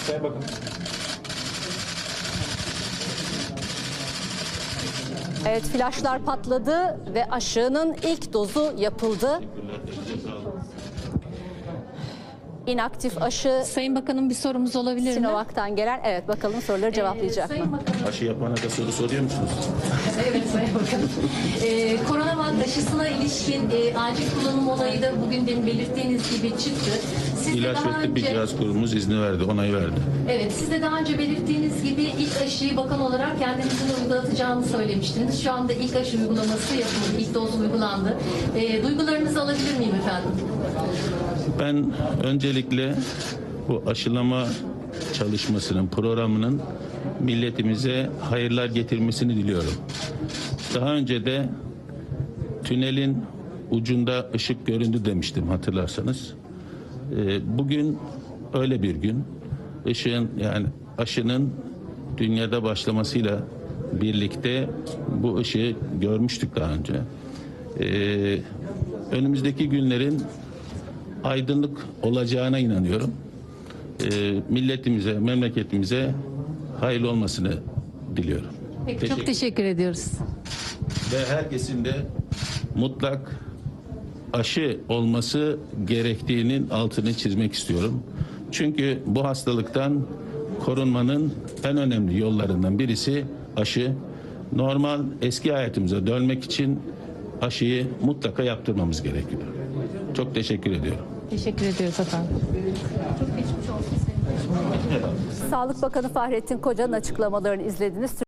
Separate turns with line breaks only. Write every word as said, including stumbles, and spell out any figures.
Sayın Bakanım.
Evet, flaşlar patladı ve aşının ilk dozu yapıldı. İnaktif aşı
Sayın Bakanım bir sorumuz olabilir mi?
Sinovac'tan gelen. Evet, bakalım soruları cevaplayacak.
Ee, Sayın Bakanım.
Aşı yapana da soru soruyor musunuz?
Evet Sayın Bakanım. Ee, koronavak aşısına ilişkin e, acil kullanım olayı da bugün demin belirttiğiniz gibi çıktı. Siz de
İlaç
daha
ve Tıbbi
önce,
Cihaz Kurumumuz izni verdi, onayı verdi.
evet, siz de daha önce belirttiğiniz gibi ilk aşıyı bakan olarak kendinizin uygulatacağını söylemiştiniz. Şu anda ilk aşı uygulaması yapıldı, ilk doz uygulandı. Ee, duygularınızı alabilir miyim efendim?
Ben öncelikle bu aşılama çalışmasının, programının milletimize hayırlar getirmesini diliyorum. Daha önce de tünelin ucunda ışık göründü demiştim, hatırlarsanız. Ee, bugün öyle bir gün. Işığın, yani aşının dünyada başlamasıyla birlikte bu ışığı görmüştük daha önce. Ee, önümüzdeki günlerin aydınlık olacağına inanıyorum. Ee, milletimize, memleketimize hayırlı olmasını diliyorum.
Peki, çok teşekkür ediyoruz.
Ve herkesin de mutlak aşı olması gerektiğinin altını çizmek istiyorum. Çünkü bu hastalıktan korunmanın en önemli yollarından birisi aşı. Normal eski hayatımıza dönmek için aşıyı mutlaka yaptırmamız gerekiyor. Çok teşekkür ediyorum.
Teşekkür ediyoruz efendim.
Sağlık Bakanı Fahrettin Koca'nın açıklamalarını izlediniz.